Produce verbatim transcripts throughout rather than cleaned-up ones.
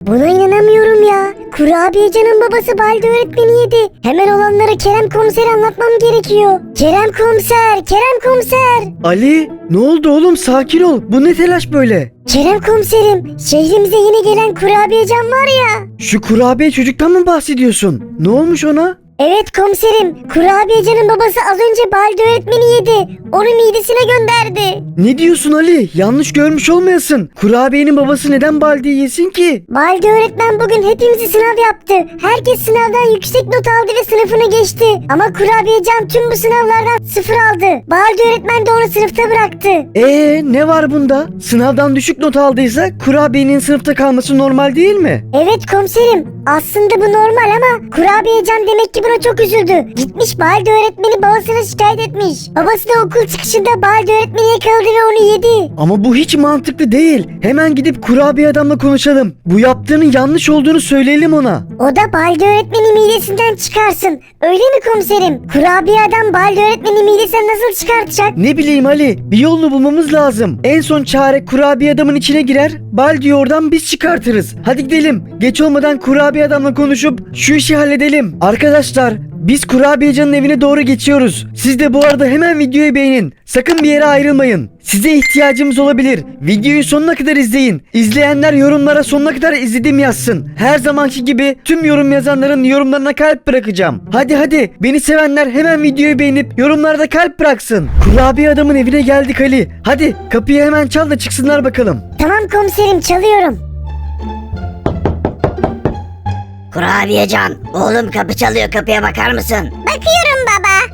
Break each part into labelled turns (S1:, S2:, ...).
S1: Buna inanamıyorum ya. Kurabiyecanın babası Baldi öğretmeni yedi. Hemen olanları Kerem komisere anlatmam gerekiyor. Kerem komiser, Kerem komiser.
S2: Ali, ne oldu oğlum? Sakin ol. Bu ne telaş böyle?
S1: Kerem komiserim, şehrimize yeni gelen kurabiyecan var ya.
S2: Şu kurabiye çocuktan mı bahsediyorsun? Ne olmuş ona?
S1: Evet komiserim, kurabiyecanın babası az önce Baldi öğretmeni yedi. Onu midesine gönderdi.
S2: Ne diyorsun Ali? Yanlış görmüş olmayasın. Kurabiyenin babası neden Baldi'yi yesin ki?
S1: Baldi öğretmen bugün hepimizi sınav yaptı. Herkes sınavdan yüksek not aldı ve sınıfını geçti. Ama kurabiyecan tüm bu sınavlardan sıfır aldı. Baldi öğretmen de onu sınıfta bıraktı.
S2: Ee, ne var bunda? Sınavdan düşük not aldıysa kurabiyenin sınıfta kalması normal değil mi?
S1: Evet komiserim, aslında bu normal ama kurabiyecan demek ki buna çok üzüldü. Gitmiş Baldi öğretmeni babasına şikayet etmiş. Babası da okul çıkışında Baldi öğretmeni yakaladı ve onu yedi.
S2: Ama bu hiç mantıklı değil. Hemen gidip kurabiye adamla konuşalım. Bu yaptığının yanlış olduğunu söyleyelim ona.
S1: O da Baldi öğretmeni midesinden çıkarsın. Öyle mi komiserim? Kurabiye adam Baldi öğretmeni midesinden nasıl çıkartacak?
S2: Ne bileyim Ali, bir yolunu bulmamız lazım. En son çare kurabiye adamın içine girer, Baldi'yi oradan biz çıkartırız. Hadi gidelim. Geç olmadan kurabiye adamla konuşup şu işi halledelim. Arkadaşlar, biz kurabiyecanın evine doğru geçiyoruz. Siz de bu arada hemen videoyu beğenin. Sakın bir yere ayrılmayın. Size ihtiyacımız olabilir. Videoyu sonuna kadar izleyin. İzleyenler yorumlara sonuna kadar izledim yazsın. Her zamanki gibi tüm yorum yazanların yorumlarına kalp bırakacağım. Hadi hadi, beni sevenler hemen videoyu beğenip yorumlarda kalp bıraksın. Kurabiye adamın evine geldik Ali. Hadi kapıyı hemen çal da çıksınlar bakalım.
S1: Tamam komiserim, çalıyorum.
S3: Kurabiyecan, oğlum kapı çalıyor, kapıya bakar mısın?
S1: Bakıyorum baba.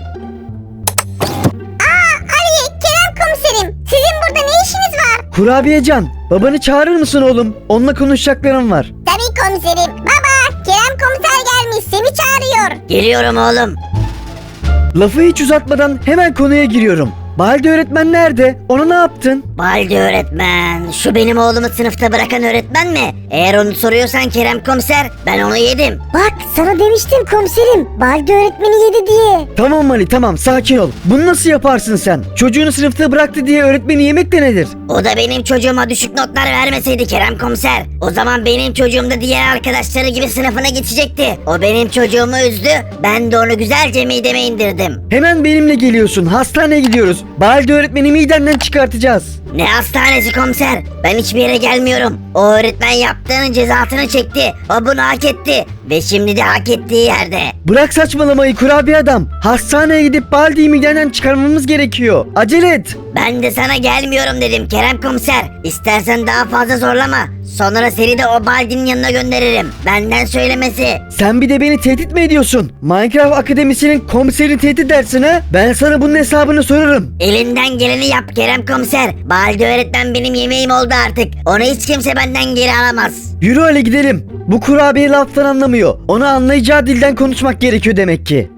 S1: Aa Ali, Kerem komiserim. Sizin burada ne işiniz var?
S2: Kurabiyecan, babanı çağırır mısın oğlum? Onunla konuşacaklarım var.
S1: Tabii komiserim. Baba, Kerem komiser gelmiş, seni çağırıyor.
S3: Geliyorum oğlum.
S2: Lafı hiç uzatmadan hemen konuya giriyorum. Baldi öğretmen nerede? Ona ne yaptın?
S3: Baldi öğretmen, şu benim oğlumu sınıfta bırakan öğretmen mi? Eğer onu soruyorsan Kerem komiser, ben onu yedim.
S1: Bak, sana demiştim komiserim. Baldi öğretmeni yedi diye.
S2: Tamam Ali, tamam, sakin ol. Bunu nasıl yaparsın sen? Çocuğunu sınıfta bıraktı diye öğretmeni yemek de nedir?
S3: O da benim çocuğuma düşük notlar vermeseydi Kerem komiser, o zaman benim çocuğum da diğer arkadaşları gibi sınıfına geçecekti. O benim çocuğumu üzdü, ben de onu güzelce mideme indirdim.
S2: Hemen benimle geliyorsun. Hastaneye gidiyoruz. Baldi öğretmeni midenden çıkartacağız.
S3: Ne hastanesi komiser? Ben hiçbir yere gelmiyorum. O öğretmen yaptığının cezasını çekti. O bunu hak etti. Ve şimdi de hak ettiği yerde.
S2: Bırak saçmalamayı kurabiye adam. Hastaneye gidip Baldi'yi midenden çıkarmamız gerekiyor. Acele et.
S3: Ben de sana gelmiyorum dedim Kerem komiser. İstersen daha fazla zorlama. Sonra seni de o Baldi'nin yanına gönderirim. Benden söylemesi.
S2: Sen bir de beni tehdit mi ediyorsun? Minecraft Akademisi'nin komiserini tehdit edersin ha? Ben sana bunun hesabını sorarım.
S3: Elinden geleni yap Kerem komiser. Baldi öğretmen benim yemeğim oldu artık. Onu hiç kimse benden geri alamaz.
S2: Yürü öyle gidelim. Bu kurabiye laftan anlamıyor. Onu anlayacağı dilden konuşmak gerekiyor demek ki.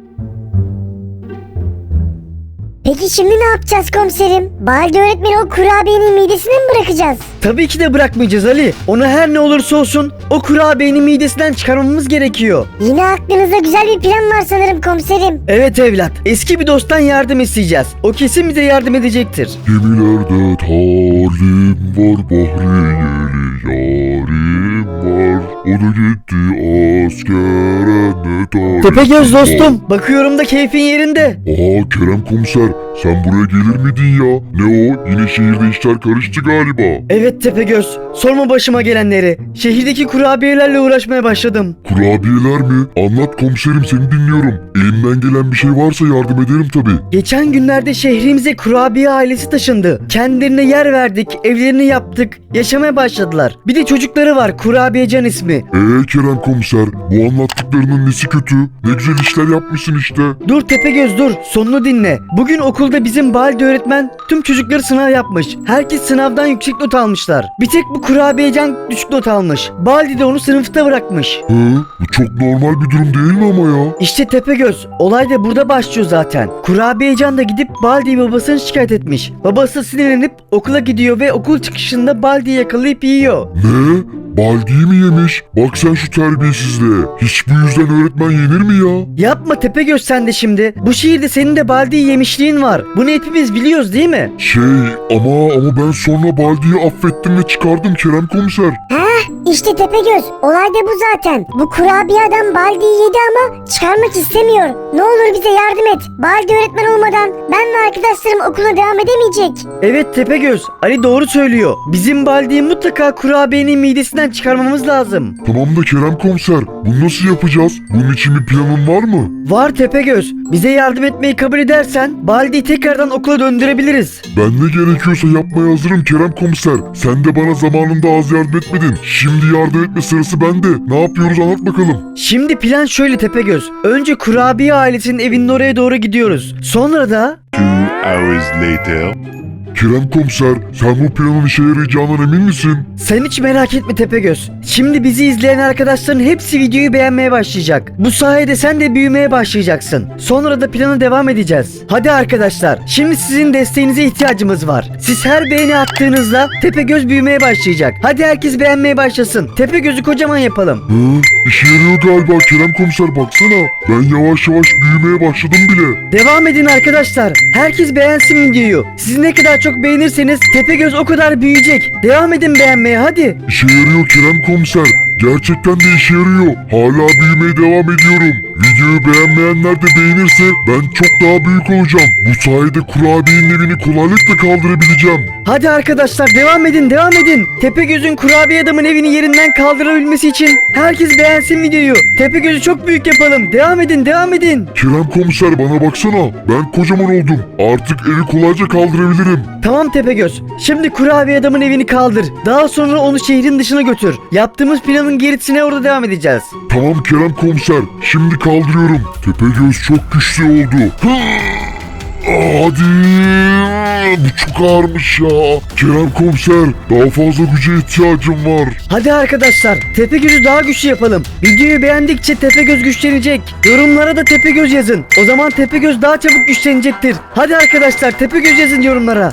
S1: Peki şimdi ne yapacağız komiserim? Baldi öğretmeni o kurabiyenin midesine mi bırakacağız?
S2: Tabii ki de bırakmayacağız Ali. Onu her ne olursa olsun o kurabiyenin midesinden çıkarmamız gerekiyor.
S1: Yine aklınızda güzel bir plan var sanırım komiserim.
S2: Evet evlat. Eski bir dosttan yardım isteyeceğiz. O kesin bize yardım edecektir.
S4: Gemilerde talim var, bahriyeli yarim var. O da gitti askere ne talim.
S2: Tepegöz dostum. Bakıyorum da keyfin yerinde.
S4: Aa Kerem komiser, sen buraya gelir miydin ya? Ne o? Yine şehirde işler karıştı galiba.
S2: Evet Tepegöz. Sorma başıma gelenleri. Şehirdeki kurabiyelerle uğraşmaya başladım.
S4: Kurabiyeler mi? Anlat komiserim, seni dinliyorum. Elimden gelen bir şey varsa yardım ederim tabi.
S2: Geçen günlerde şehrimize kurabiye ailesi taşındı. Kendilerine yer verdik, evlerini yaptık, yaşamaya başladılar. Bir de çocukları var, Kurabiyecan ismi.
S4: Eee Kerem komiser, bu anlattıklarının nesi kötü? Ne güzel işler yapmışsın işte.
S2: Dur Tepegöz dur, sonunu dinle. Bugün okulda bizim Baldi öğretmen tüm çocukları sınav yapmış. Herkes sınavdan yüksek not almışlar. Bir tek bu Kurabiyecan düşük not almış. Baldi de onu sınıfta bırakmış.
S4: Hı? Bu çok normal bir durum değil mi ama ya?
S2: İşte Tepegöz, olay da burada başlıyor zaten. Kurabiyecan da gidip Baldi'yi babasına şikayet etmiş. Babası sinirlenip okula gidiyor ve okul çıkışında Baldi'yi yakalayıp yiyor.
S4: Ne? Baldi'yi mi yemiş? Bak sen şu terbiyesizliğe. Hiç bu yüzden öğretmen yenir mi ya?
S2: Yapma Tepegöz sen de şimdi. Bu şehirde senin de Baldi'yi yemişliğin var. Bunu hepimiz biliyoruz değil mi?
S4: Şey ama ama ben sonra Baldi'yi affettim ve çıkardım Kerem komiser.
S1: Heh, İşte Tepegöz, olay da bu zaten. Bu kurabiye adam Baldi'yi yedi ama çıkarmak istemiyor. Ne olur bize yardım et. Baldi öğretmen olmadan ben ve arkadaşlarım okula devam edemeyecek.
S2: Evet Tepegöz, Ali doğru söylüyor. Bizim Baldi'yi mutlaka kurabiyenin midesinden çıkarmamız lazım.
S4: Tamam da Kerem komiser, bunu nasıl yapacağız? Bunun için bir planın var mı?
S2: Var Tepegöz, bize yardım etmeyi kabul edersen Baldi'yi tekrardan okula döndürebiliriz.
S4: Ben ne gerekiyorsa yapmaya hazırım Kerem komiser. Sen de bana zamanında az yardım etmedin. Şimdi yardım etme sırası bende. Ne yapıyoruz anlat bakalım.
S2: Şimdi plan şöyle Tepegöz. Önce kurabiye ailesinin evinin oraya doğru gidiyoruz. Sonra da...
S5: Two hours later.
S4: Kerem komiser, sen bu planın işe yarayacağından emin misin?
S2: Sen hiç merak etme Tepegöz. Şimdi bizi izleyen arkadaşların hepsi videoyu beğenmeye başlayacak. Bu sayede sen de büyümeye başlayacaksın. Sonra da plana devam edeceğiz. Hadi arkadaşlar, şimdi sizin desteğinize ihtiyacımız var. Siz her beğeni attığınızda Tepegöz büyümeye başlayacak. Hadi herkes beğenmeye başlasın. Tepegöz'ü kocaman yapalım.
S4: Hı? İşe yarıyor galiba Kerem komiser, baksana. Ben yavaş yavaş büyümeye başladım bile.
S2: Devam edin arkadaşlar. Herkes beğensin videoyu. Siz ne kadar çok beğenirseniz Tepegöz o kadar büyüyecek. Devam edin beğenmeye hadi.
S4: İşe yarıyor Kerem komiser. Gerçekten de işe yarıyor. Hala büyümeye devam ediyorum. Videoyu beğenmeyenler de beğenirse ben çok daha büyük olacağım. Bu sayede kurabiyenin evini kolaylıkla kaldırabileceğim.
S2: Hadi arkadaşlar devam edin devam edin. Tepegöz'ün kurabiye adamın evini yerinden kaldırabilmesi için herkes beğensin videoyu. Tepegöz'ü çok büyük yapalım. Devam edin devam edin.
S4: Kerem komiser, bana baksana. Ben kocaman oldum. Artık evi kolayca kaldırabilirim.
S2: Tamam Tepegöz. Şimdi kurabiye adamın evini kaldır. Daha sonra onu şehrin dışına götür. Yaptığımız planın gerisine orada devam edeceğiz.
S4: Tamam Kerem komiser. Şimdi kaldırıyorum. Tepegöz çok güçlü oldu. Hı! Hadi. Bu çok ağırmış ya. Kerem komiser, daha fazla güce ihtiyacım var.
S2: Hadi arkadaşlar Tepegöz'ü daha güçlü yapalım. Videoyu beğendikçe Tepegöz güçlenecek. Yorumlara da Tepegöz yazın. O zaman Tepegöz daha çabuk güçlenecektir. Hadi arkadaşlar Tepegöz yazın yorumlara.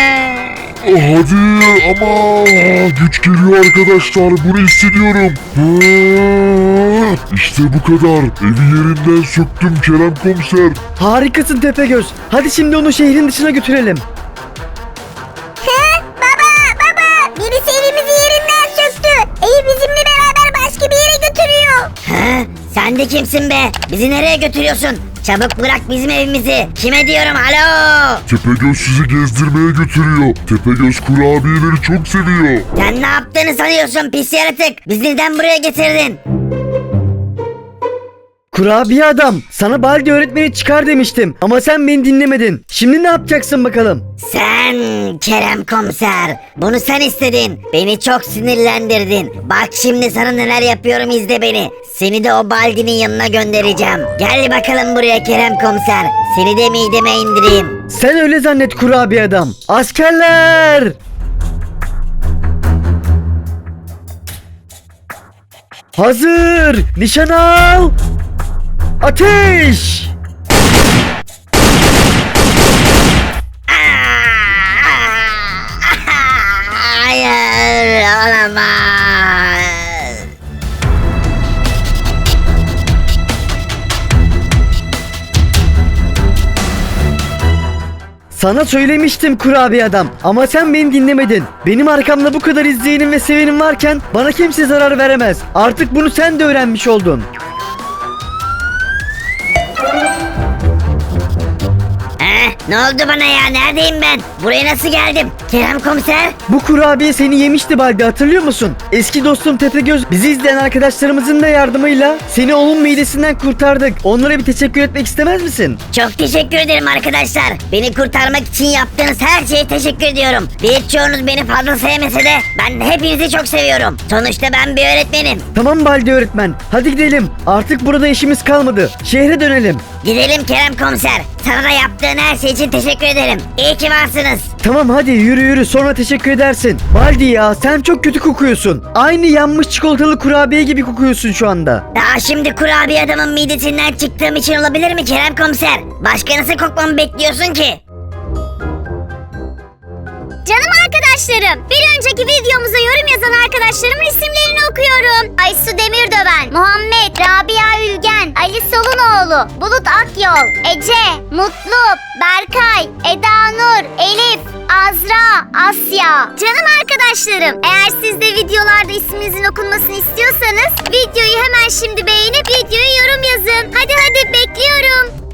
S4: Hadi ama güç geliyor arkadaşlar, bunu hissediyorum. İşte bu kadar. Evi yerinden söktüm Kerem komiser.
S2: Harikasın Tepegöz. Hadi şimdi onu şehrin dışına götürelim.
S1: He? Baba baba birisi evimizi yerinden söktü. Evi bizimle beraber başka bir yere götürüyor.
S3: Ha? Sen de kimsin be? Bizi nereye götürüyorsun? Çabuk bırak bizim evimizi. Kime diyorum alo?
S4: Tepegöz sizi gezdirmeye götürüyor. Tepegöz kurabiyeleri çok seviyor.
S3: Sen ne yaptığını sanıyorsun pis yaratık? Bizi neden buraya getirdin?
S2: Kurabiye adam, sana Baldi öğretmeni çıkar demiştim ama sen beni dinlemedin. Şimdi ne yapacaksın bakalım?
S3: Sen Kerem komiser, bunu sen istedin. Beni çok sinirlendirdin. Bak şimdi sana neler yapıyorum, izle beni. Seni de o Baldi'nin yanına göndereceğim. Gel bakalım buraya Kerem komiser. Seni de mideme indireyim.
S2: Sen öyle zannet kurabiye adam. Askerler! Hazır! Nişan al! Ateş!
S3: Hayır, olamaz.
S2: Sana söylemiştim kurabiye adam ama sen beni dinlemedin. Benim arkamda bu kadar izleyenim ve sevenim varken bana kimse zarar veremez. Artık bunu sen de öğrenmiş oldun.
S3: Eh, ne oldu bana ya? Neredeyim ben? Buraya nasıl geldim? Kerem komiser?
S2: Bu kurabiye seni yemişti Baldi, hatırlıyor musun? Eski dostum Tepegöz bizi izleyen arkadaşlarımızın da yardımıyla seni onun midesinden kurtardık. Onlara bir teşekkür etmek istemez misin?
S3: Çok teşekkür ederim arkadaşlar. Beni kurtarmak için yaptığınız her şeye teşekkür ediyorum. Birçoğunuz beni fazla sevmese de ben hepinizi çok seviyorum. Sonuçta ben bir öğretmenim.
S2: Tamam Baldi öğretmen, hadi gidelim. Artık burada işimiz kalmadı. Şehre dönelim.
S3: Gidelim Kerem komiser. Sana da yaptığın her şey için teşekkür ederim. İyi ki varsınız.
S2: Tamam hadi yürü yürü, sonra teşekkür edersin. Baldi ya, sen çok kötü kokuyorsun. Aynı yanmış çikolatalı kurabiye gibi kokuyorsun şu anda.
S3: Daha şimdi kurabiye adamın midesinden çıktığım için olabilir mi Kerem komiser? Başka nasıl kokmamı bekliyorsun ki?
S1: Canım arkadaşlarım, bir önceki videomuza yorum yazan arkadaşlarımın isimlerini okuyorum. Aysu Demirdöven, Muhammed, Rabia Ülgen, Ali
S6: Ali Solunoğlu, Bulut Akyol, Ece, Mutlu, Berkay, Eda Nur, Elif, Azra, Asya. Canım arkadaşlarım, eğer siz de videolarda isminizin okunmasını istiyorsanız videoyu hemen şimdi beğenip videoya yorum yazın. Hadi